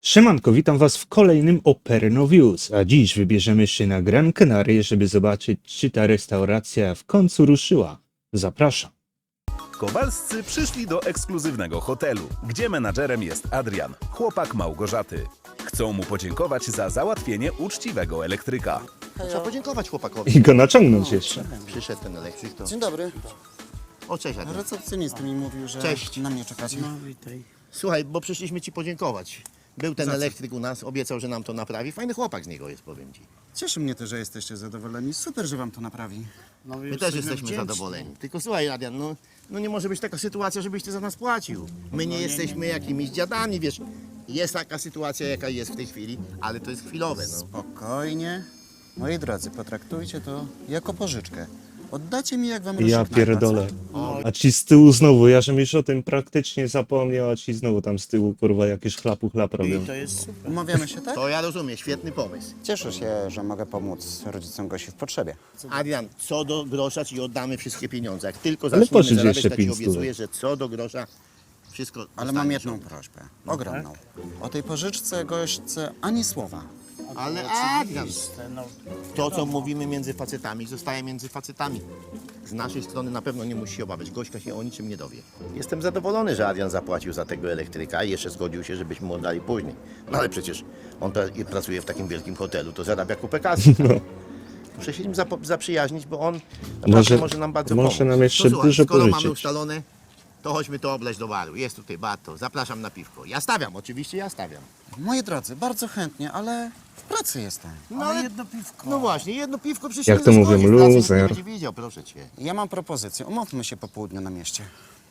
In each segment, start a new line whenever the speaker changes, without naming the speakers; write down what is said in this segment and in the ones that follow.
Siemanko, witam was w kolejnym Operno Views, a dziś wybierzemy się na Gran Canaria, żeby zobaczyć, czy ta restauracja w końcu ruszyła. Zapraszam.
Kowalscy przyszli do ekskluzywnego hotelu, gdzie menadżerem jest Adrian, chłopak Małgorzaty. Chcą mu podziękować za załatwienie uczciwego elektryka.
Trzeba podziękować chłopakowi.
I go naciągnąć jeszcze.
Przyszedł ten elektryk, to...
Dzień dobry.
O, cześć, Adam.
Recepcjonista mi mówił, że
Cześć.
na mnie czekacie.
Słuchaj, bo przyszliśmy ci podziękować. Był ten elektryk u nas, obiecał, że nam to naprawi. Fajny chłopak z niego jest, powiem ci.
Cieszy mnie to, że jesteście zadowoleni. Super, że wam to naprawi. No,
My też jesteśmy zadowoleni. Tylko słuchaj, Adrian, no nie może być taka sytuacja, żebyś ty za nas płacił. My nie jesteśmy jakimiś dziadami, wiesz. Jest taka sytuacja, jaka jest w tej chwili, ale to jest chwilowe, no.
Spokojnie. Moi drodzy, potraktujcie to jako pożyczkę. Oddacie mi, jak wam
Ja
rozstrzygną
pierdolę.
pracę.
A ci z tyłu znowu, ja żem już o tym praktycznie zapomniał, a ci znowu tam z tyłu kurwa jakieś chlap robią.
Umawiamy się, tak?
To ja rozumiem, świetny pomysł.
Cieszę się, że mogę pomóc rodzicom Gosi w potrzebie.
Adrian, co do grosza ci oddamy wszystkie pieniądze. Jak tylko
Ale
zaczniemy
pożycz
zarabiać,
jeszcze
to ci
5 stówek.
obiecuję, że co do grosza wszystko
Ale mam
dostaniesz.
jedną prośbę. Ogromną. O tej pożyczce gośćce ani słowa.
Ale Adrian, to co mówimy między facetami, zostaje między facetami. Z naszej strony na pewno nie musi się obawiać. Gośka się o niczym nie dowie. Jestem zadowolony, że Adrian zapłacił za tego elektryka i jeszcze zgodził się, żebyśmy mu oddali później. No ale przecież on pracuje w takim wielkim hotelu, to zarabia kupę kasy. Tak? Muszę się nim zaprzyjaźnić, bo on naprawdę może nam bardzo
może
pomóc.
nam jeszcze
To słuchaj,
dużo
skoro mamy
pożyczyć.
ustalone, to chodźmy to obleźć do baru. Jest tutaj bar, to zapraszam na piwko. Ja stawiam, oczywiście ja stawiam.
Moi drodzy, bardzo chętnie, ale w pracy jestem.
No ale jedno piwko. No właśnie, jedno piwko przecież
Jak
nie
to mówią,
zaszkodzi, w pracy nikt
loser.
nie będzie widział, proszę cię.
Ja mam propozycję. Umówmy się po południu na mieście.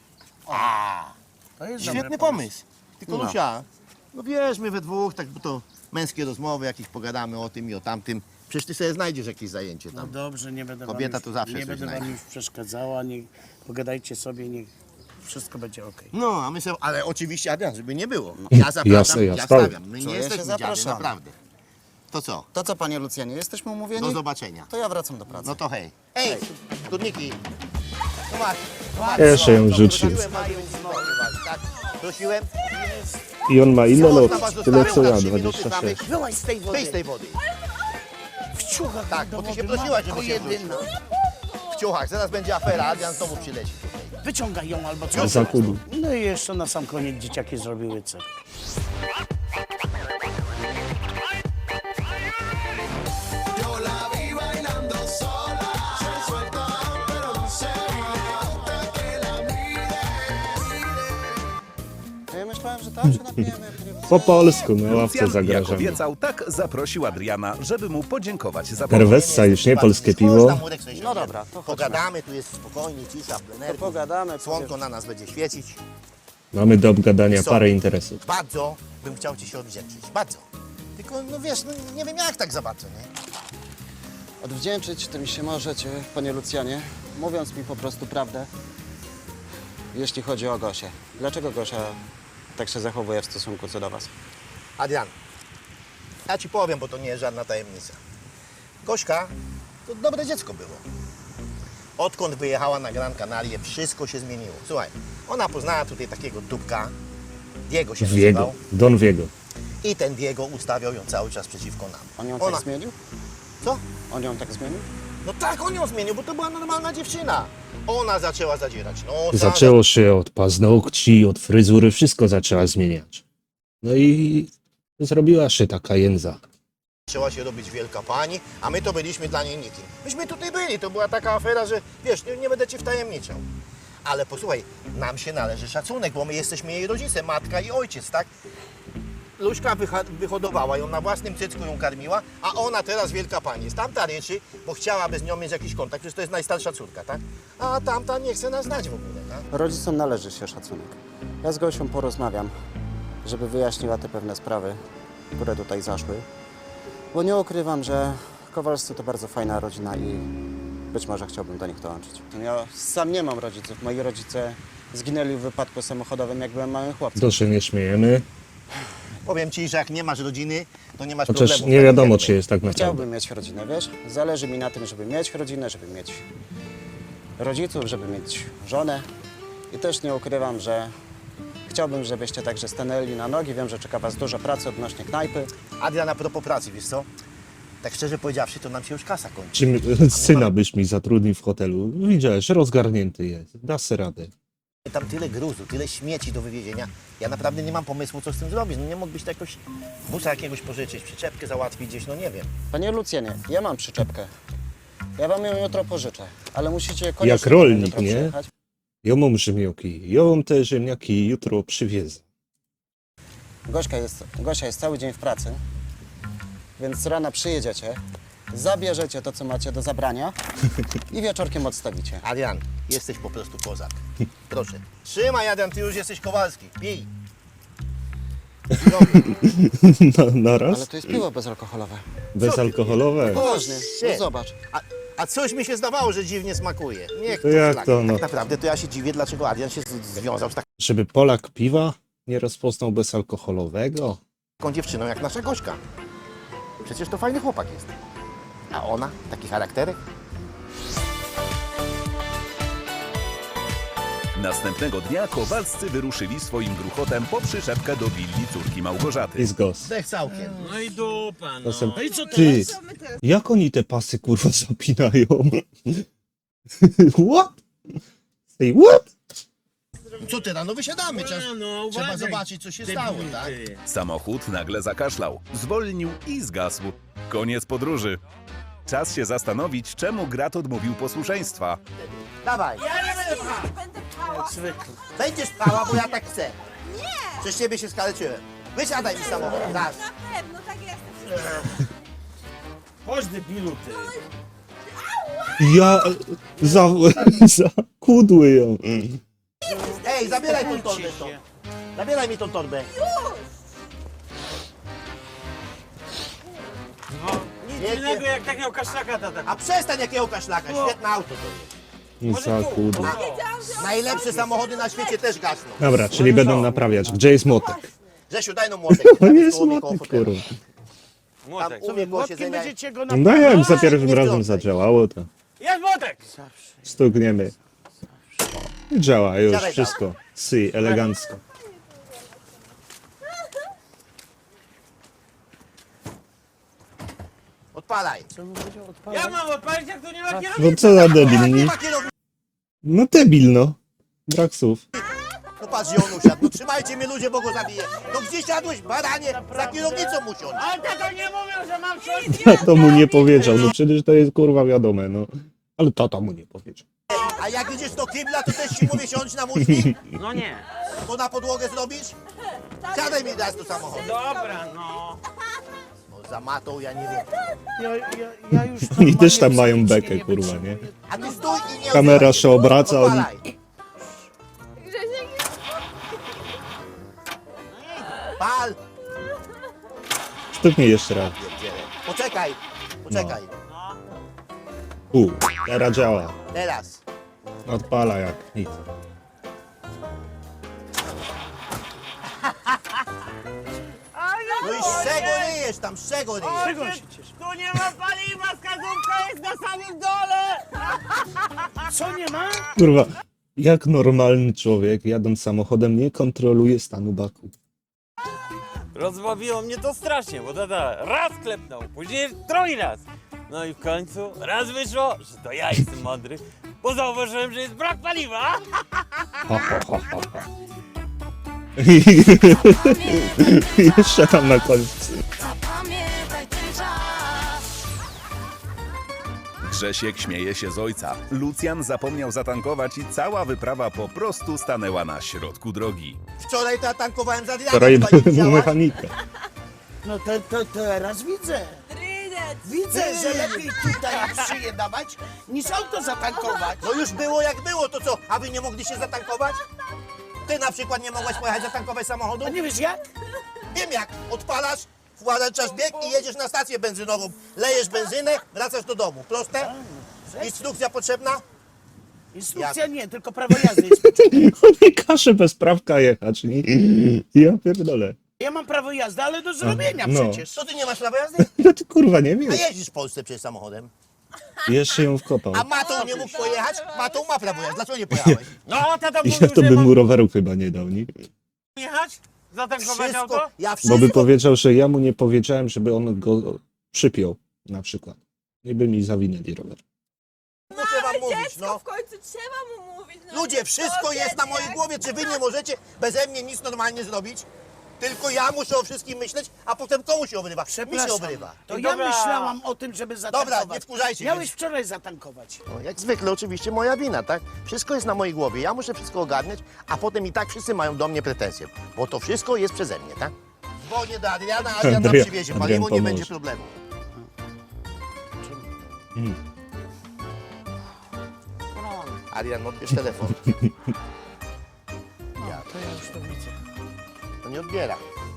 Świetny pomysł. Tylko
No.
Lucia, no wiesz, my we dwóch, tak bo to męskie rozmowy, jakieś pogadamy o tym i o tamtym. Przecież ty sobie znajdziesz jakieś zajęcie
No
tam.
dobrze, nie będę
Kobieta
wam już,
to zawsze
nie
coś
będę
znajdzie.
wam już przeszkadzała, niech pogadajcie sobie, niech wszystko będzie ok.
No, a my sobie, ale oczywiście, Adrian, żeby nie było. Ja zapraszam,
Jasne, ja
ja
stawiam.
stawiam. My nie
Czuję się
jesteśmy dziady,
zapraszany.
naprawdę. To co?
To co, panie Lucjanie, jesteśmy umówieni?
Do zobaczenia.
To ja wracam do pracy.
No to hej. Ej, skórniki. No masz.
Jeszcze ją rzucił.
Prosiłem was, żeby znowu, tak? Prosiłem.
I on ma ile
Można
lot?
was
Tyle
zostawić
co
na
ja,
3 minuty
26.
samych.
Byłaś z tej wody.
Wyjdź z tej wody.
W ciuchach
Tak,
do
bo ty
wody,
się prosiłaś, żeby
matko
się
jedyna.
W ciuchach, zaraz będzie afera, Adrian znowu przyleci tutaj.
Wyciągaj ją albo co.
Zakudu.
No i jeszcze na sam koniec dzieciaki zrobiły cyrk.
Ja myślałem, że tam się napijemy.
Po polsku, na ławce
Lucjan, jak
zagrażamy.
obiecał, tak zaprosił Adriana, żeby mu podziękować za pomoc.
Herwessa już nie, polskie piwo.
Można, Murek, sobie
No
siądziemy.
dobra, to chodźmy.
Pogadamy, tu jest spokojnie, cisza, plenerki.
Pogadamy.
Słonko na nas będzie świecić.
Mamy do obgadania
Co?
parę interesów.
Bardzo bym chciał ci się odwdzięczyć, bardzo. Tylko, no wiesz, no, nie wiem jak tak za bardzo, nie?
Odwdzięczyć tym się możecie, panie Lucjanie, mówiąc mi po prostu prawdę, jeśli chodzi o Gosię. Dlaczego Gosia tak się zachowuje w stosunku co do was?
Adrian, ja ci powiem, bo to nie jest żadna tajemnica. Gośka to dobre dziecko było. Odkąd wyjechała na Gran Canaria, wszystko się zmieniło. Słuchaj, ona poznała tutaj takiego dupka, Diego się
Viego.
nazywał,
Don Viego.
i ten Diego ustawiał ją cały czas przeciwko nam.
On ją
Ona-
tak zmienił?
Co?
On ją tak zmienił?
No tak, on ją zmienił, bo to była normalna dziewczyna. Ona zaczęła zadzierać nos.
Zaczęło się od paznokci, od fryzury, wszystko zaczęła zmieniać. No i zrobiła się taka jędza.
Zaczęła się robić wielka pani, a my to byliśmy dla niej nikim. Myśmy tutaj byli, to była taka afera, że wiesz, nie będę ci wtajemniczał. Ale posłuchaj, nam się należy szacunek, bo my jesteśmy jej rodzice, matka i ojciec, tak? Luśka wyhodowała ją, na własnym cycku ją karmiła, a ona teraz wielka pani jest. Tamta ryczy, bo chciałaby z nią mieć jakiś kontakt, przecież to jest najstarsza córka, tak? A tamta nie chce nas znać w ogóle, tak?
Rodzicom należy się szacunek. Ja z Gosią porozmawiam, żeby wyjaśniła te pewne sprawy, które tutaj zaszły. Bo nie ukrywam, że Kowalscy to bardzo fajna rodzina i być może chciałbym do nich dołączyć. Ja sam nie mam rodziców. Moi rodzice zginęli w wypadku samochodowym, jak byłem małym chłopcem.
To się nie śmiejemy,
Powiem ci, że jak nie masz rodziny, to nie masz
chociaż
problemu.
nie wiadomo, czy jest tak naprawdę.
Chciałbym mieć rodzinę, wiesz? Zależy mi na tym, żeby mieć rodzinę, żeby mieć rodziców, żeby mieć żonę. I też nie ukrywam, że Chciałbym, żebyście także stanęli na nogi. Wiem, że czeka Was dużo pracy odnośnie knajpy.
Adrian, a propos pracy, wiesz co? Tak szczerze powiedziawszy, to nam się już kasa kończy.
Czym syna byś mi zatrudnił w hotelu? Widziałeś, rozgarnięty jest. Da se radę.
Tam tyle gruzu, tyle śmieci do wywiezienia. Ja naprawdę nie mam pomysłu, co z tym zrobić. No nie mógłbyś to jakoś busa jakiegoś pożyczyć, przyczepkę załatwić gdzieś, no nie wiem.
Panie Lucjanie, ja mam przyczepkę. Ja Wam ją jutro pożyczę, ale musicie koniecznie
Jak rolnik,
jutro
nie?
przyjechać.
Ja mam ziemniaki, ja mam te ziemniaki jutro przywiezę.
Gosia jest cały dzień w pracy, więc z rana przyjedziecie, zabierzecie to, co macie do zabrania i wieczorkiem odstawicie.
Adrian, jesteś po prostu kozak. Proszę. Trzymaj, Adrian, ty już jesteś Kowalski. Pij.
Na raz?
Ale to jest piwo bezalkoholowe.
Bezalkoholowe.
Poważnie, no
Shit.
zobacz.
A coś mi się zdawało, że dziwnie smakuje. Niech
To jak
szlak.
to, no?
Tak naprawdę to ja się dziwię, dlaczego Adrian się związał z
Żeby Polak piwa nie rozpoznał bezalkoholowego?
taką dziewczyną jak nasza Gośka. Przecież to fajny chłopak jest. A ona? Taki charakterek?
Następnego dnia Kowalscy wyruszyli swoim gruchotem po przyczepkę do willi córki Małgorzaty.
Jest gos.
Zdech całkiem.
No i dupa, no.
Czasem-
No i co
Ty,
teraz?
jak oni te pasy kurwa zapinają? What? Say what?
Co ty, no wysiadamy.
No,
Trzeba
uważaj.
zobaczyć, co się
Ty,
stało,
ty.
tak?
Samochód nagle zakaszlał, zwolnił i zgasł. Koniec podróży. Czas się zastanowić, czemu Grat odmówił posłuszeństwa.
Dawaj.
Ja nie będę pchała. Będę pchała.
Zwykle.
Będziesz pchała, bo ja tak chcę. Nie! Przez ciebie się skaleczyłem. Wysiadaj mi z samochodu, raz.
Na pewno, tak jestem.
Chodź debilu, ty.
Ja zakudły ją.
Ej, zabieraj tą
Bójcie
torbę
się.
stąd. Zabieraj mi tą torbę.
No, nic
Wiecie-
innego jak takiego kaszlaka tata.
A przestań jakiego kaszlaka, świetne auto to jest.
Zakudły.
Najlepsze samochody na świecie też gasną.
Dobra, czyli będą naprawiać. Gdzie jest motek?
Grzesiu, daj no młotek.
To
Tam
nie jest
koło mnie, koło
motek,
fotela.
kurwa.
Młotek.
Tam umie koło
Młotkiem
siedzenia.
będziecie go
No jak za
nie
pierwszym razem
wtrącaj.
zadziałało, to
Jest młotek!
stukniemy. I działa już
Siadaj,
wszystko. Si, elegancko.
Odpalaj.
Ja mam odpalić, jak tu nie ma kierownicy.
No co za debil,
Nie
nie?
ma kierownicy.
No debil, no. Brak słów.
No patrz, gdzie on usiadł. No trzymajcie mnie ludzie, bo go zabiję. No gdzie siadłeś, baranie? Za kierownicą usiądź.
Ale tato nie mówią, że mam coś.
Tato mu nie powiedział, no przecież to jest kurwa wiadome, no. Ale tata mu nie powiedział.
A jak idziesz do kibla, to też ci mówię siądź na muszki,
No nie.
bo na podłogę zrobisz. Siadaj mi raz do samochodu.
Dobra, no.
No za matą, ja nie wiem.
Ja już
Oni też tam
normalnie
mają
psychicznie
bekę,
nie
kurwa,
wytrzymuję.
nie?
A ty stój i nie
Kamera
odzywaj
się obraca, oni-
Odpalaj. Pal!
Stuknij jeszcze raz.
Poczekaj, poczekaj.
Teraz działa.
Teraz.
Odpala jak nic.
No i z czego ryjesz tam, z czego ryjesz?
Czego się cieszę? Tu nie ma paliwa, wskazówka jest na samym dole! Co nie ma?
Kurwa, jak normalny człowiek jadąc samochodem nie kontroluje stanu baku.
Rozbawiło mnie to strasznie, bo tata raz klepnął, później drugi raz. No i w końcu raz wyszło, że to ja jestem mądry, bo zauważyłem, że jest brak paliwa.
Ha, ha, ha, ha, ha. I jeszcze tam na końcu.
Zapamiętaj ten czas.
Grzesiek śmieje się z ojca. Lucjan zapomniał zatankować i cała wyprawa po prostu stanęła na środku drogi.
Wczoraj to ja tankowałem za Adriana,
Wczoraj
chyba nie
był
widziałaś?
mechanika.
No to teraz widzę.
Trynet.
Widzę, że lepiej tutaj szyję dawać, niż auto zatankować.
No już było jak było, to co? A wy nie mogliście zatankować? Ty na przykład nie mogłaś pojechać zatankować samochodu?
A nie wiesz jak?
Wiem jak, odpalasz, wkładasz bieg i jedziesz na stację benzynową. Lejesz benzynę, wracasz do domu. Proste? Instrukcja potrzebna?
Instrukcja nie, tylko prawo jazdy jest potrzebne.
Nie każe bez prawka jechać, nie? Ja pierdolę.
Ja mam prawo jazdy, ale do zrobienia
No.
przecież.
Co ty nie masz prawa jazdy?
No ty kurwa nie
A
wiesz.
jeździsz w Polsce przecież samochodem.
Jeszcze ją wkopał.
A Matą nie mógł pojechać? Matą ma prawo jazdy, dlaczego nie pojechałeś?
No, tata mówił,
Ja to
że
bym
mam...
mu roweru chyba nie dał, nie?
jechać? Zatankować auto?
Wszystko, ja
Bo
wszystko...
by powiedział, że ja mu nie powiedziałem, żeby on go przypiął, na przykład. I by mi zawinęli rower.
Muszę wam mówić,
Dziecko,
no.
w końcu trzeba mu mówić. No,
Ludzie,
nie
wszystko
powiedz,
jest na mojej
jak-
głowie. Czy wy nie możecie beze mnie nic normalnie zrobić? Tylko ja muszę o wszystkim myśleć, a potem komu się obrywa? Mi się
Przepraszam,
obrywa.
to
I
ja
dobra.
myślałam o tym, żeby zatankować.
Dobra, nie wkurzajcie
Miałeś
się.
wczoraj zatankować.
No, jak zwykle oczywiście moja wina, tak? Wszystko jest na mojej głowie. Ja muszę wszystko ogarniać, a potem i tak wszyscy mają do mnie pretensje. Bo to wszystko jest przeze mnie, tak? Dzwonię do Adriana, Adrian nam
Adrian-
przywiezie
Adrian
paliwo, nie
pomoże.
będzie problemu. Adrian, odbierz telefon.
To ja już to widzę.
To nie odbiera.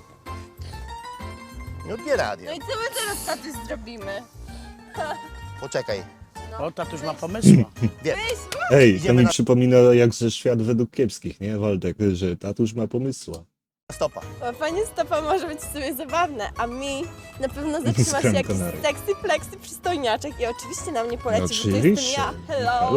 Nie odbiera
No
Adrian.
i co my teraz, tatuś, zrobimy?
Poczekaj.
O, tatuś ma pomysła.
Wiem.
Ej, to
Idziemy
mi
na-
przypomina jak ze Świat według kiepskich, nie, Waldek? Że tatuś ma pomysła.
Stopa.
Łapanie stopa może być w sumie zabawne, a mi na pewno zatrzyma się
Gran
jakiś
Canaria.
sexy, pleksy przystojniaczek i oczywiście na mnie poleci, że to jestem
Oczywiście.
ja. Hello.
Halo.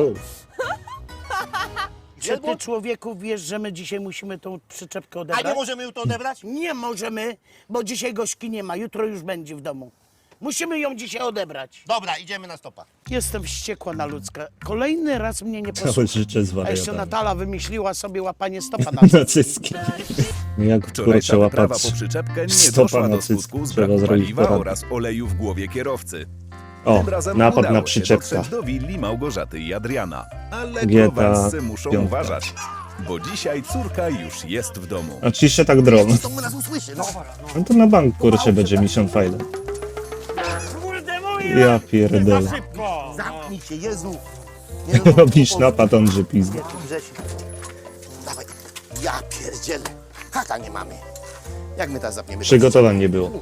Czy ty, człowieku, wiesz, że my dzisiaj musimy tą przyczepkę
A
odebrać?
nie możemy już to odebrać?
Nie możemy, bo dzisiaj gośki nie ma, jutro już będzie w domu. Musimy ją dzisiaj odebrać.
Dobra, idziemy na stopa.
Jestem wściekła na ludzka. Kolejny raz mnie nie
Całe
posłucha.
życie z
A jeszcze
wariatami.
Natala wymyśliła sobie łapanie stopa na
Nacycki. Jak
Wczorajsza
kurczę
wyprawa
łapać
po przyczepkę nie
stopa
doszła do
nacycki.
skutku z
Trzeba
braku
zrobić
paliwa
poradnik.
oraz oleju w głowie kierowcy.
O,
Tym razem
napad
udało
na
się
przyczepkę.
dotrzeć do willi Małgorzaty i Adriana. Ale
GTA
kowalscy muszą
5.
uważać, bo dzisiaj córka już jest w domu.
A ci się tak drą.
To nas usłyszy, no.
No to na bank kurczę będzie mission file.
Kurde, mój
Ja pierdolę.
za szybko!
Zamknij się, Jezu. Nie, no,
Robisz napad, on że pizda.
Grzesiu. Dawaj. Ja pierdzielę. Haka nie mamy. Jak my teraz zapniemy?
Przygotowań nie było.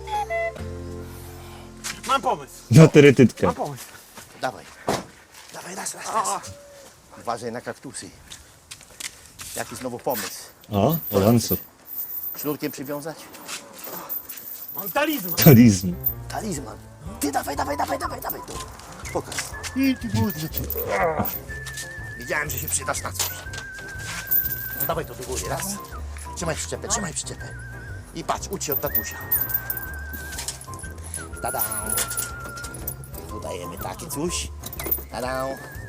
Mam pomysł,
Na terytytkę.
mam pomysł.
Dawaj. Dawaj, raz. Uważaj na kaktusy. Jaki znowu pomysł?
O, awansu.
Sznurkiem przywiązać?
Mam talizman.
Talizm.
Talizman. Ty dawaj. Tu. Pokaż. I ty budzę. Wiedziałem, że się przydasz na coś. No dawaj to do góry, raz. Trzymaj przyczepę. I patrz, ucz się od tatusia. Tada. Dodajemy takie coś. Tada.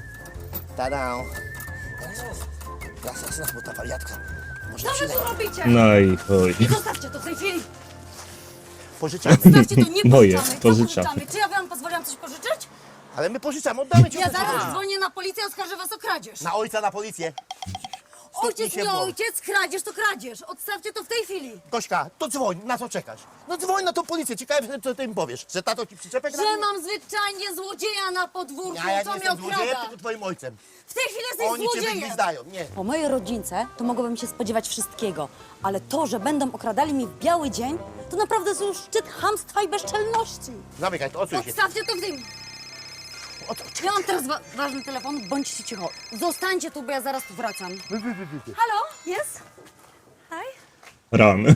Raz, bo ta wariatka może
Co wy
przyleci.
tu robicie?
No i oj.
Zostawcie to w tej chwili.
Pożyczamy.
Zostawcie to, nie
Moje,
pożyczamy.
pożyczamy.
Co pożyczamy? Czy ja wam pozwoliłam coś pożyczyć?
Ale my pożyczamy, oddamy ci.
Ja
wszystko.
zaraz dzwonię na policję i oskarżę was o kradzież.
Na ojca, na policję.
Ojciec,
się
nie
w głowę.
ojciec, kradzież to kradzież. Odstawcie to w tej chwili.
Gośka, to dzwoń, na co czekasz? No dzwoń na tą policję, ciekawe, co ty im powiesz. Że tato ci przyczepę
Że
kradnie?
mam zwyczajnie złodzieja na podwórku,
Ja
co
nie
mnie
jestem złodziejem,
okrada.
tylko twoim ojcem.
W tej chwili jesteś
Oni cię
złodziejem.
wygwizdają, nie.
Po mojej rodzince to mogłabym się spodziewać wszystkiego, ale to, że będą okradali mnie w biały dzień, to naprawdę jest już szczyt chamstwa i bezczelności.
Zamykaj to, odsuń się.
Odstawcie to w tym. Ja mam teraz ważny telefon, bądźcie cicho. Zostańcie tu, bo ja zaraz tu wracam. Halo? Jest? Hi?
Ran.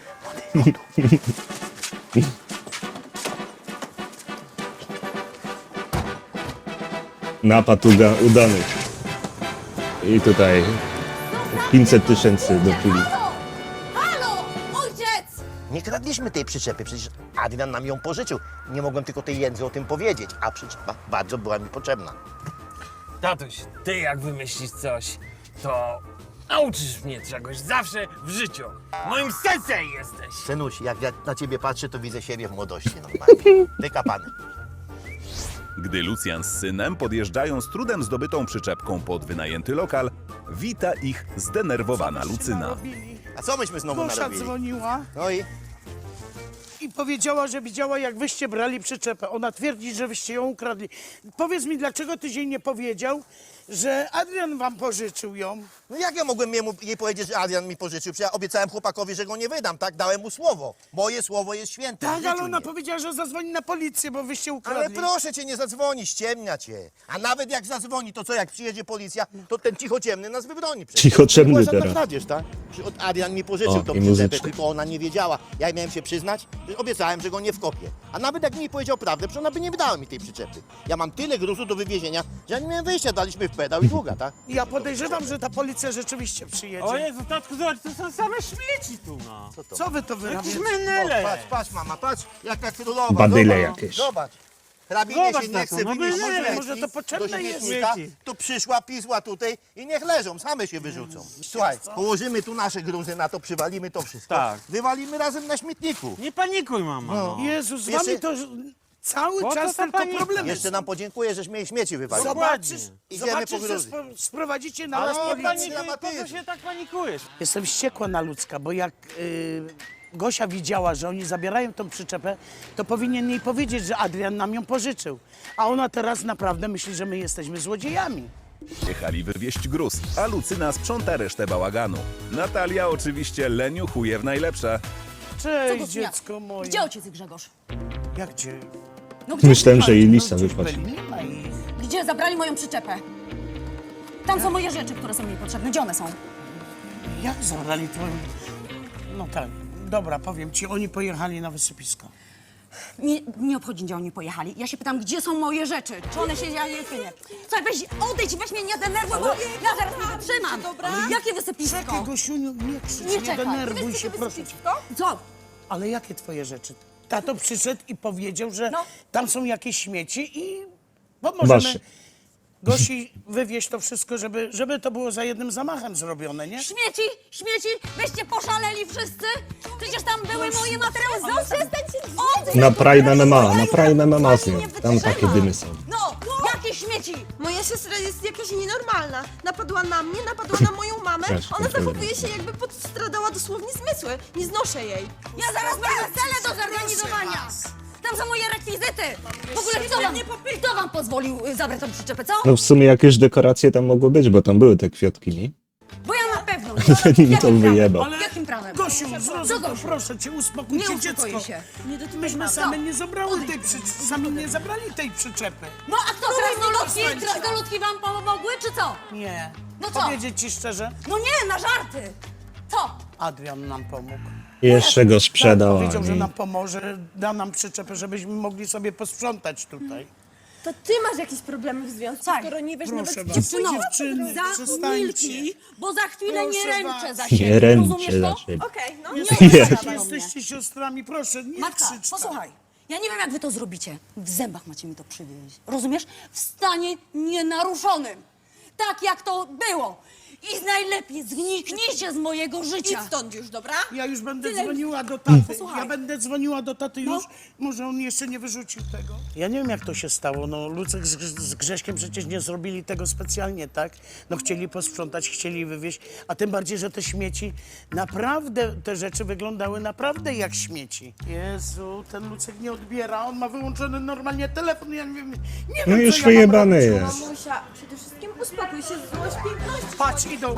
Napad udany. I tutaj 500 000 do chwili.
Halo! Halo! Ojciec!
Nie kradliśmy tej przyczepy, przecież Adrian nam ją pożyczył. Nie mogłem tylko tej jędzy o tym powiedzieć, a przyczepa bardzo była mi potrzebna.
Tatuś, ty jak wymyślisz coś, to nauczysz mnie czegoś zawsze w życiu. Moim sensei jesteś.
Synuś, jak ja na ciebie patrzę, to widzę siebie w młodości normalnie. Wykapany.
Gdy Lucjan z synem podjeżdżają z trudem zdobytą przyczepką pod wynajęty lokal, wita ich zdenerwowana Lucyna.
A co myśmy znowu
Gosia
narobili?
dzwoniła
No i?
i powiedziała, że widziała, jak wyście brali przyczepę. Ona twierdzi, że wyście ją ukradli. Powiedz mi, dlaczego tyś jej nie powiedział, że Adrian wam pożyczył ją?
No jak ja mogłem jej powiedzieć, że Adrian mi pożyczył? Przecież ja obiecałem chłopakowi, że go nie wydam, tak? Dałem mu słowo. Moje słowo jest święte. w
Tak,
życiu
ale ona
nie.
powiedziała, że zadzwoni na policję, bo wyście
Ale
ukradli.
proszę cię, nie zadzwoni, ściemnia cię. A nawet jak zadzwoni, to co, jak przyjedzie policja, to ten cichociemny nas wybroni. przecież.
Cichociemny
To była żadna
teraz.
kradzież, tak? Że od Adrian mi pożyczył
O,
tą
i
przyczepę,
muzyczka.
tylko ona nie wiedziała. Ja miałem się przyznać, że obiecałem, że go nie wkopię. A nawet jak mi powiedział prawdę, przecież ona by nie wydała mi tej przyczepy. Ja mam tyle gruzu do wywiezienia, że ja nie miałem wyjścia. Daliśmy pedał i długa, tak?
Ja podejrzewam, że ta policja rzeczywiście przyjedzie.
O Jezu, tatku, zobacz, to są same śmieci tu, no.
Co wy to
Jakieś
wyrabiacie?
menele.
Patrz, mama, patrz, jaka królowa.
Badyle
zobacz,
jakieś.
Zobacz. Hrabinie
Zobacz
się
na
nie
to,
chce
no
wynieść
byle,
śmieci
może to potrzebne
do
jest.
śmietnika,
Śmieci.
to przyszła, pisła tutaj i niech leżą, same się wyrzucą. Słuchaj, położymy tu nasze gruzy na to, przywalimy to wszystko.
Tak.
Wywalimy razem na śmietniku.
Nie panikuj, mama, no.
Jezus, z
Jeszcze-
wami to cały
Po co
czas
ta
tylko
panika?
problemy.
Jeszcze nam podziękuję, żeśmy jej śmieci wywalili.
Zobaczysz,
Idziemy
zobaczysz,
po
że
gruzy.
sprowadzicie na
Ale
nas
nie
policję.
panikuj, po
dramatyzm.
co się tak panikujesz?
Jestem wściekła na Ludzka, bo jak Gosia widziała, że oni zabierają tą przyczepę, to powinien jej powiedzieć, że Adrian nam ją pożyczył. A ona teraz naprawdę myśli, że my jesteśmy złodziejami.
Jechali wywieźć gruz, a Lucyna sprząta resztę bałaganu. Natalia oczywiście leniuchuje w najlepsze.
Cześć,
Gosia?
dziecko moje.
Gdzie ojciec i Grzegorz?
Jak gdzie?
No gdzie?
Myślałem, że jej lista
Gdzieś
wychodzi.
byli, nie ma ich.
Gdzie zabrali moją przyczepę? Tam są moje rzeczy, które są mi potrzebne. Gdzie one są?
Jak zabrali twoją... No tak, dobra, powiem ci, oni pojechali na wysypisko.
Nie obchodzi, gdzie oni pojechali. Ja się pytam, gdzie są moje rzeczy? Czy one się dzieją, czy nie? Słuchaj, weź, odejdź, weź mnie, nie denerwuj, bo ja zaraz nie wytrzymam. Jakie wysypisko?
Czekaj, Gosiuniu, nie krzycz,
Nie
nie
czekaj.
denerwuj się, proszę cię.
Co?
Ale jakie twoje rzeczy? Tato przyszedł i powiedział, że
No.
tam są jakieś śmieci i pomożemy
Wasze.
Gosi wywieźć to wszystko, żeby to było za jednym zamachem zrobione, nie?
Śmieci, wyście poszaleli wszyscy? Przecież tam były moje materiały. Przestańcie.
Na Prime MMA z nią. Tam takie dymy są.
No, jakie śmieci?
Moja siostra jest jakaś nienormalna. Napadła na mnie, napadła na moją mamę.
Też
Ona
kontroluję.
zachowuje się, jakby postradała dosłownie zmysły. Nie znoszę jej.
Ja zaraz mam wesele do zorganizowania. Tam są moje rekwizyty. W ogóle kto wam pozwolił zabrać tą przyczepę, co?
No w sumie jakieś dekoracje tam mogły być, bo tam były te kwiatki, nie?
Bo ja na pewno.
Zanim to
Jakim
wyjebał.
prawem? Jakim prawem?
Gosiu,
Co,
zrozum to,
Gosiu?
proszę cię, uspokój
Nie
się,
uspokoję
dziecko.
się.
Myśmy same nie zabrały tej sami nie zabrali tej przyczepy.
No a kto, krasnoludki wam pomogły, czy co?
Nie.
No co?
Powiedzieć ci szczerze,
No nie, na żarty. Co?
Adrian nam pomógł.
Jeszcze go sprzedał,
Powiedział, że
ani...
nam pomoże, da nam przyczepę, żebyśmy mogli sobie posprzątać tutaj.
To ty masz jakieś problemy w związku,
Tak.
skoro nie wiesz
Proszę
nawet
was.
Dziewczyno,
Dziewczyny, przestańcie.
zamilknij, bo za chwilę nie
Proszę
ręczę
was.
za siebie.
Nie ręczę
Rozumiesz
za
to?
siebie.
Okej, no.
Jesteście siostrami, proszę, nie
Matka,
krzycz tak.
posłuchaj. Ja nie wiem, jak wy to zrobicie. W zębach macie mi to przywieźć. Rozumiesz? W stanie nienaruszonym. Tak, jak to było. I najlepiej zniknijcie z mojego życia.
Idź stąd już, dobra?
Ja już będę dzwoniła do taty.
Posłuchaj.
Ja będę dzwoniła do taty już.
No.
Może on jeszcze nie wyrzucił tego. Ja nie wiem, jak to się stało. No, Lucek z Grześkiem przecież nie zrobili tego specjalnie, tak? No, chcieli posprzątać, chcieli wywieźć. A tym bardziej, że te śmieci, naprawdę te rzeczy wyglądały naprawdę jak śmieci. Jezu, ten Lucek nie odbiera. On ma wyłączony normalnie telefon. Ja nie wiem,
No
co
już
ja mam
wyjebany
robić.
jest.
Mamusia, przede wszystkim uspokój się, złość piękności.
Patrz, idą.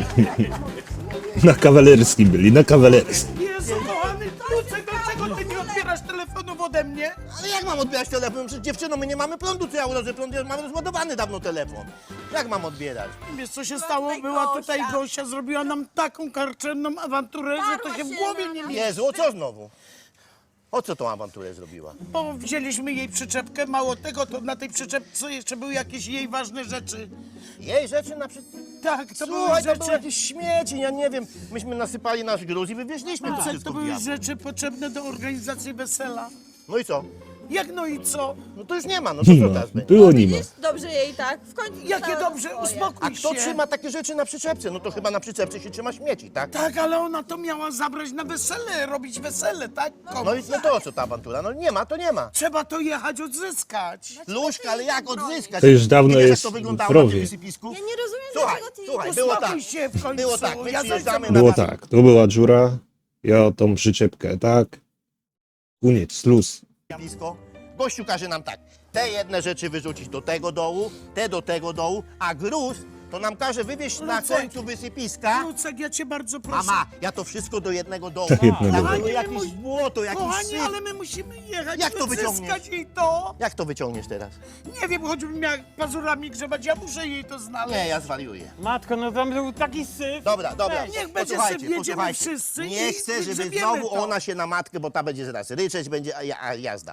Na kawalerskim byli, na kawalerskim.
Jezu, kochany Lucek, dlaczego ty nie odbierasz telefonów ode mnie?
Ale jak mam odbierać telefon? Przecież dziewczyno, my nie mamy prądu, co ja urodzę prąd, ja mam rozładowany dawno telefon. Jak mam odbierać?
Wiesz, co się stało? Była tutaj Gosia, zrobiła nam taką karczemną awanturę, że to się w głowie nie mieści.
Jezu, o co znowu? O co tą awanturę zrobiła?
Bo wzięliśmy jej przyczepkę, mało tego, to na tej przyczepce jeszcze były jakieś jej ważne rzeczy.
Jej rzeczy na przykład...
Tak, to były
Słuchaj, to
rzeczy...
były jakieś śmieci, ja nie wiem. Myśmy nasypali nasz gruz i wywieźliśmy to
Lucek,
wszystko
to
w
były
diabł.
rzeczy potrzebne do organizacji wesela.
No i co?
Jak no i co?
No to już nie ma, no to co
No,
teraz będzie?
było nie ma.
Widzisz? Dobrze jej tak. W końcu
Jakie
dostała
dobrze,
swoje.
uspokój
A kto
się.
trzyma takie rzeczy na przyczepce? No to chyba na przyczepce się trzyma śmieci, tak?
Tak, ale ona to miała zabrać na wesele, robić wesele, tak?
No i no to o co ta awantura? No nie ma, to nie ma.
Trzeba to jechać odzyskać.
Luśka, ale jak odzyskać?
To już dawno
Ty wiesz,
jest
jak to wyglądało
w
na
rowie.
tym wysypisku?
Ja nie rozumiem,
Słuchaj,
dlaczego ty
słuchaj,
nie
było tak.
Uspokój się w końcu.
Było tak, my
Ja
przyjeżdżamy
zajdę-
na...
Było tak, tu była dziura, ja tą przyczepkę, tak? Koniec, luz.
Blisko. Gościu każe nam tak, te jedne rzeczy wyrzucić do tego dołu, te do tego dołu, a gruz to nam każe wywieźć na
Lucek.
końcu wysypiska.
Lucek, ja cię bardzo proszę.
Mama, ja to wszystko do jednego dołu.
Do jednego
Tam
dołu.
było jakieś błoto, jakiś
Kochani,
syf.
ale my musimy jechać,
Jak to
odzyskać
wyciągniesz?
jej to.
Jak to wyciągniesz teraz?
Nie wiem, choćbym miał pazurami grzebać, ja muszę jej to znaleźć.
Nie, ja zwariuję.
Matko, no tam był taki syf.
Dobra, dobra.
Niech będzie
Posłuchajcie,
syf, jedziemy
posłuchajcie.
wszyscy
Nie
i
chcę, żeby
grzebiemy
znowu
to.
ona się na matkę, bo ta będzie zaraz ryczeć, będzie jazda.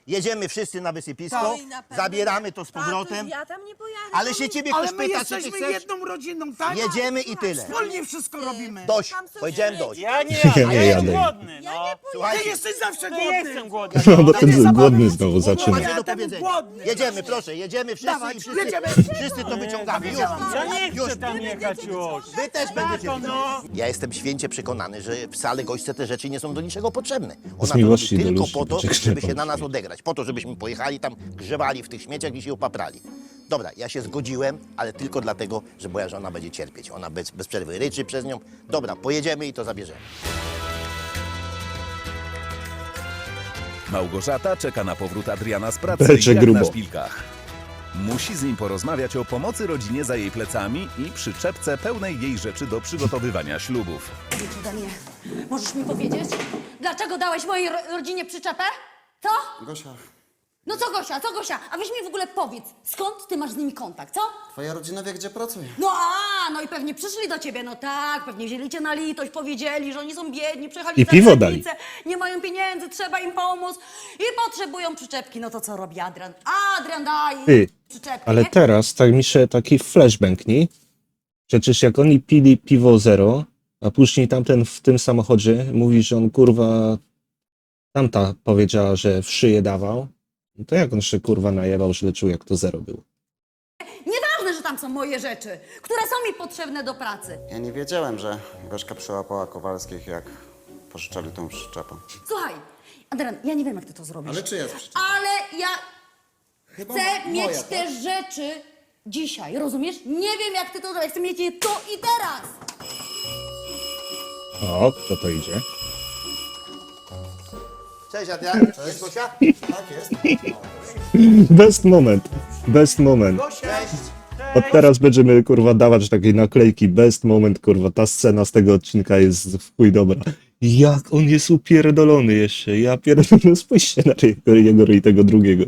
jedziemy wszyscy na wysypisko,
Tak. Na pewno.
zabieramy to z powrotem,
Tatuś, ja tam nie pojadę.
ale się ciebie
Ale
ktoś
my
pyta, co ty
jesteśmy
chcesz?
jedną rodziną, tak?
Jedziemy i tyle.
Wspólnie wszystko robimy.
Dość,
Tam są
powiedziałem
śmieci.
dość.
Ja nie
Ja
jadę,
nie
ja jestem
jadę.
głodny, no.
Ty
Słuchajcie,
jesteś zawsze
Nie
głodny.
jestem głodny.
No bo
nie
ten
zabawy.
głodny znowu zaczyna.
macie do
Ja temu
powiedzenia.
głodny.
Jedziemy, proszę, jedziemy wszyscy
Dawaj,
i wszyscy,
jedziemy.
wszyscy to wyciągamy. Już,
Ja nie
już.
chcę tam jechać już.
Wy też będziecie.
Tato, no.
Ja jestem święcie przekonany, że wcale gośce te rzeczy nie są do niczego potrzebne. Ona
Z
to
miłości
robi
do
tylko
ludzi,
po to,
to cię
żeby się
krzepą.
na nas odegrać. Po to, żebyśmy pojechali tam, grzewali w tych śmieciach i się opaprali. Dobra, ja się zgodziłem, ale tylko dlatego, że moja żona będzie cierpieć. Ona bez przerwy ryczy przez nią. Dobra, pojedziemy i to zabierzemy.
Małgorzata czeka na powrót Adriana z pracy
Becze
jak
grubo.
na szpilkach. Musi z nim porozmawiać o pomocy rodzinie za jej plecami i przyczepce pełnej jej rzeczy do przygotowywania ślubów.
Idź ode mnie. Możesz mi powiedzieć, dlaczego dałeś mojej rodzinie przyczepę? Co?
Gosia,
No co Gosia, co Gosia? A weź mi w ogóle powiedz, skąd ty masz z nimi kontakt, co?
twoja rodzina wie, gdzie pracuję.
No i pewnie przyszli do ciebie, no tak, pewnie wzięli cię na litość, powiedzieli, że oni są biedni, przyjechali
I
za
piwo
granicę, nie mają pieniędzy, trzeba im pomóc i potrzebują przyczepki. No to co robi Adrian? Adrian daje
Ty,
przyczepki,
ale
nie?
teraz tak mi się taki flashbang, nie? Przecież jak oni pili piwo zero, a później tamten w tym samochodzie mówi, że on kurwa tamta powiedziała, że w szyję dawał, no to jak on się kurwa najebał, że czuł jak to zero było.
Nieważne, że tam są moje rzeczy, które są mi potrzebne do pracy.
Ja nie wiedziałem, że Gośka przyłapała Kowalskich, jak pożyczali tą przyczepę.
Słuchaj, Adrian, ja nie wiem, jak ty to zrobisz.
Ale czyja jest przyczepa?
Ale ja
Chyba
chcę mieć
moja,
te rzeczy dzisiaj, rozumiesz? Nie wiem, jak ty to zrobisz, chcę mieć je tu i teraz.
O, kto to idzie?
Cześć Adrian, jest Gosia?
Tak jest.
Best moment, best moment.
Cześć.
Od teraz będziemy kurwa dawać takie naklejki, best moment, kurwa, ta scena z tego odcinka jest w chuj dobra. Jak on jest upierdolony jeszcze, ja pierdolę, spójrzcie na jego i tego drugiego.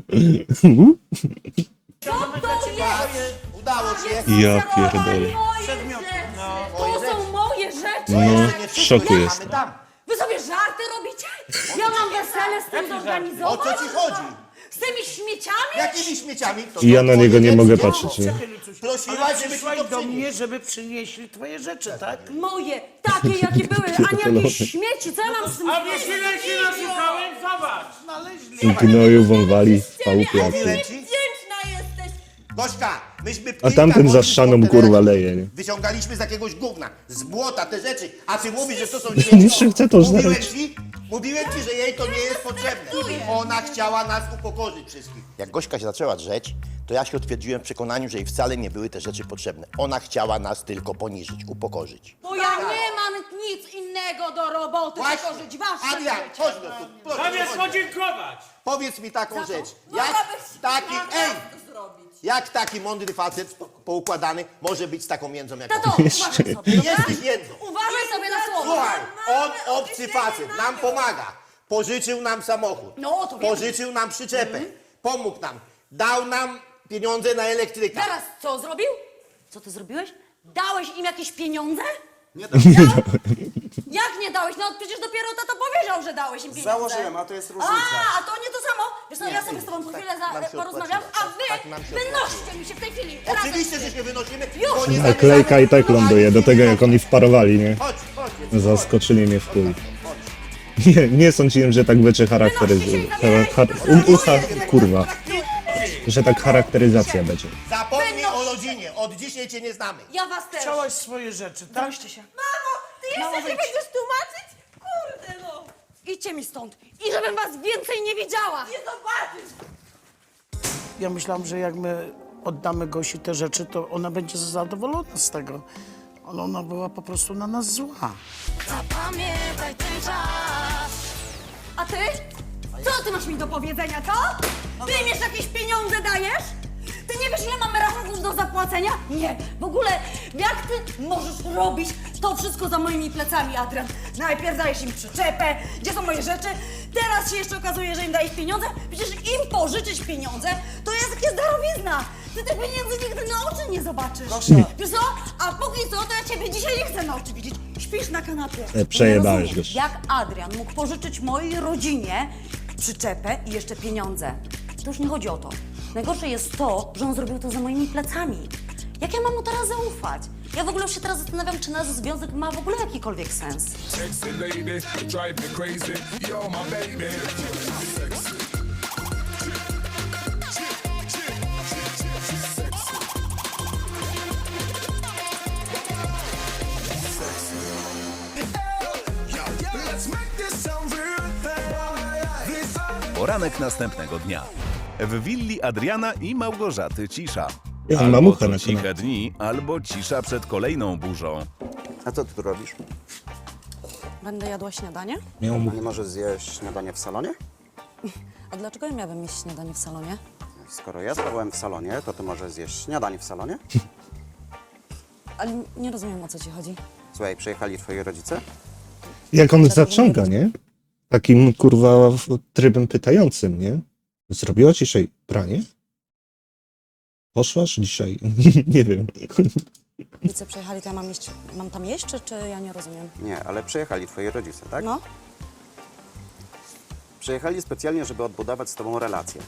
Co to jest?
Udało się.
Ja pierdolę.
Moje rzeczy. To są moje rzeczy.
No, w szoku
Mamy
jestem.
tam.
Wy sobie żarty robicie? Ja mam wesele z tym
O
zorganizować?
co ci chodzi?
Z tymi śmieciami?
Jakimi śmieciami? To
I ja na
twoje
niego nie
rzeczy.
mogę patrzeć, nie?
Prosiłaś, żeby ci
Przyszłaś
to
do
przynieść.
mnie, żeby przynieśli twoje rzeczy, tak?
Moje, takie jakie były, a nie jakieś śmieci. Co ja mam z tym
A wiesz ile się naszukałem? Zobacz.
Gnoju wąwali w chałupie.
Mówiłem ci?
Wdzięczna jesteś.
Gośka, myśmy
A tamten za ścianą kurwa leje, nie?
Wyciągaliśmy z jakiegoś gówna, z błota te rzeczy, a ty mówisz, że to są
Jeszcze chcę to znaleźć.
Mówiłem ci, że jej to nie jest potrzebne. Ona chciała nas upokorzyć wszystkich. Jak Gośka się zaczęła drzeć, to ja się utwierdziłem w przekonaniu, że jej wcale nie były te rzeczy potrzebne. Ona chciała nas tylko poniżyć, upokorzyć.
Bo ja nie mam nic innego do roboty, tylko żyć wasze
Adrian,
życie.
chodź no tu, proszę,
Zamiast
chodź.
podziękować.
Powiedz mi taką rzecz. Jak
Mogłabyś
taki,
naprawdę zrobić.
jak taki mądry facet poukładany może być z taką międzą jak
Tato,
on?
uważaj sobie,
Ty
dobra?
jesteś jędzą.
Uważaj sobie na słowa.
Słuchaj, on obcy facet, nam pomaga. Pożyczył nam samochód.
No, to wiem.
Pożyczył nam przyczepę. Pomógł nam. Dał nam pieniądze na elektryka.
Teraz co zrobił? Co ty zrobiłeś? Dałeś im jakieś pieniądze?
Nie dam.
Jak nie dałeś? No przecież dopiero tato powiedział, że dałeś im pieniądze.
Założyłem, a to jest różnica.
A to nie to samo. Wiesz co, ja sobie z tobą po chwilę
nam się
porozmawiam, a
odpłaciło. Tak nam
wy
się
wynoście mi się w tej chwili.
Oczywiście, że się wynosimy,
Już.
bo nie
Naklejka i tak ląduje, do tego jak oni wparowali, nie?
Chodź, chodź.
Zaskoczyli mnie w chuj. Nie sądziłem, że tak będzie kurwa. Że tak charakteryzacja będzie.
Zapomnij o rodzinie. Od dzisiaj cię nie znamy.
Ja was też.
Chciałaś swoje rzeczy, tak?
Troszcie się.
Mamo, ty
Mamo,
jeszcze się
wyjdź.
będziesz tłumaczyć? Kurde no.
Idźcie mi stąd. I żebym was więcej nie widziała.
Nie zobaczysz.
Ja myślałam, że jak my oddamy Gosi te rzeczy, to ona będzie zadowolona z tego. Ale ona była po prostu na nas zła.
Zapamiętaj ten czas. A ty? Co ty masz mi do powiedzenia, co? Ty mi jeszcze jakieś pieniądze dajesz? Ty nie wiesz, ile mamy rachunków do zapłacenia? Nie. W ogóle, jak ty możesz robić to wszystko za moimi plecami, Adrian? Najpierw dajesz im przyczepę, gdzie są moje rzeczy, teraz się jeszcze okazuje, że im dajesz pieniądze. Przecież im pożyczyć pieniądze, to jest jakaś darowizna. Ty tych pieniędzy nigdy na oczy nie zobaczysz. Wiesz co? A póki co, to ja ciebie dzisiaj nie chcę na oczy widzieć. Śpisz na kanapie.
Przejebałeś
Nie rozumiesz,
goś.
jak Adrian mógł pożyczyć mojej rodzinie
przyczepę i jeszcze pieniądze. To już nie chodzi o to. Najgorsze jest to, że on zrobił to za moimi plecami. Jak ja mam mu teraz zaufać? Ja w ogóle już się teraz zastanawiam, czy nasz związek ma w ogóle jakikolwiek sens.
Sexy lady, drive me crazy. You're my baby. Sexy.
Poranek następnego dnia. W willi Adriana i Małgorzaty cisza.
Ja mam
Albo
mamuchę
to
na
ciche
kanale.
dni, albo cisza przed kolejną burzą.
A co ty tu robisz?
Będę jadła śniadanie?
Miał
A
mu...
nie możesz zjeść śniadanie w salonie?
A dlaczego ja miałabym mieć śniadanie w salonie?
Skoro ja spałem w salonie, to ty możesz zjeść śniadanie w salonie?
Ale nie rozumiem, o co ci chodzi.
Słuchaj, przyjechali twoi rodzice?
Jak on zaciąga, nie? Takim, kurwa, trybem pytającym, nie? Zrobiła dzisiaj pranie? Poszłaś dzisiaj? Nie wiem.
Rodzice przyjechali, to ja mam tam jeść, czy ja nie rozumiem?
Nie, ale przyjechali twoi rodzice, tak?
No,
Przyjechali specjalnie, żeby odbudować z tobą relacje.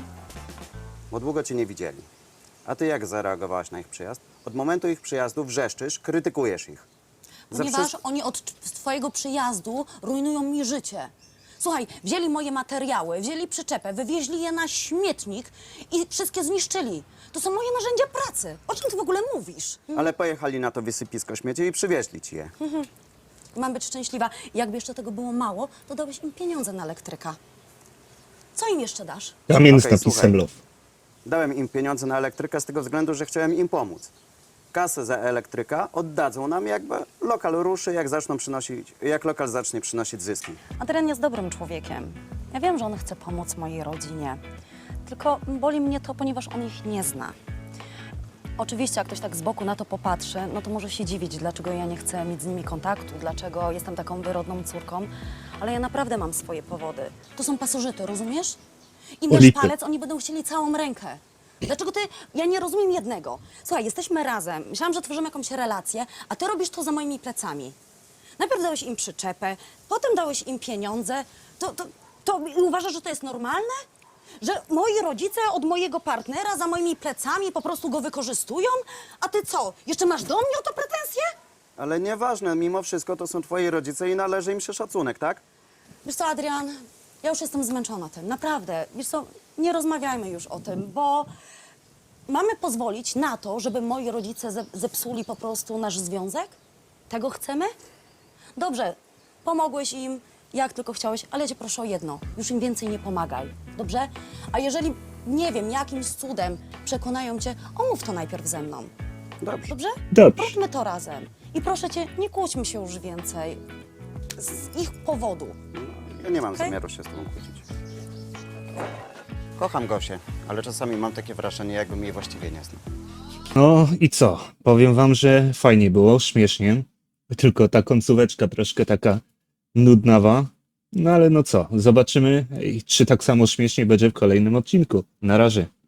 Bo długo cię nie widzieli. A ty jak zareagowałaś na ich przyjazd? Od momentu ich przyjazdu wrzeszczysz, krytykujesz ich.
ponieważ oni od twojego przyjazdu rujnują mi życie. Słuchaj, wzięli moje materiały, wzięli przyczepę, wywieźli je na śmietnik i wszystkie zniszczyli. To są moje narzędzia pracy. O czym ty w ogóle mówisz?
Ale pojechali na to wysypisko śmieci i przywieźli ci je.
Mam być szczęśliwa. Jakby jeszcze tego było mało, to dałeś im pieniądze na elektryka. Co im jeszcze dasz?
Kamień z
Okej,
napisem
słuchaj.
love.
Dałem im pieniądze na elektryka z tego względu, że chciałem im pomóc. Kasę za elektryka oddadzą nam, jakby lokal ruszy, jak lokal zacznie przynosić zyski.
Adrian jest dobrym człowiekiem. Ja wiem, że on chce pomóc mojej rodzinie. Tylko boli mnie to, ponieważ on ich nie zna. Oczywiście, jak ktoś tak z boku na to popatrzy, no to może się dziwić, dlaczego ja nie chcę mieć z nimi kontaktu, dlaczego jestem taką wyrodną córką, ale ja naprawdę mam swoje powody. To są pasożyty, rozumiesz? Im dasz
Ulipy.
palec, oni będą chcieli całą rękę. Dlaczego ty... Ja nie rozumiem jednego. Słuchaj, jesteśmy razem, myślałam, że tworzymy jakąś relację, a ty robisz to za moimi plecami. Najpierw dałeś im przyczepę, potem dałeś im pieniądze. To uważasz, że to jest normalne? Że moi rodzice od mojego partnera za moimi plecami po prostu go wykorzystują? A ty co, jeszcze masz do mnie o to pretensje?
Ale nieważne, mimo wszystko to są twoi rodzice i należy im się szacunek, tak?
Wiesz co, Adrian, ja już jestem zmęczona tym, naprawdę. Wiesz co, nie rozmawiajmy już o tym, bo mamy pozwolić na to, żeby moi rodzice zepsuli po prostu nasz związek? Tego chcemy? Dobrze, pomogłeś im, jak tylko chciałeś, ale ja cię proszę o jedno, już im więcej nie pomagaj, dobrze? A jeżeli, nie wiem, jakimś cudem przekonają cię, omów to najpierw ze mną,
Dobrze.
dobrze?
Dobrze.
Róbmy to razem. I proszę cię, nie kłóćmy się już więcej z ich powodu.
Ja nie mam
Okej?
zamiaru się z tobą kłócić. Kocham Gosię, ale czasami mam takie wrażenie, jakbym jej właściwie nie znał.
No i co? Powiem wam, że fajnie było, śmiesznie. Tylko ta końcóweczka troszkę taka nudnawa. No ale no co, zobaczymy, czy tak samo śmiesznie będzie w kolejnym odcinku. Na razie.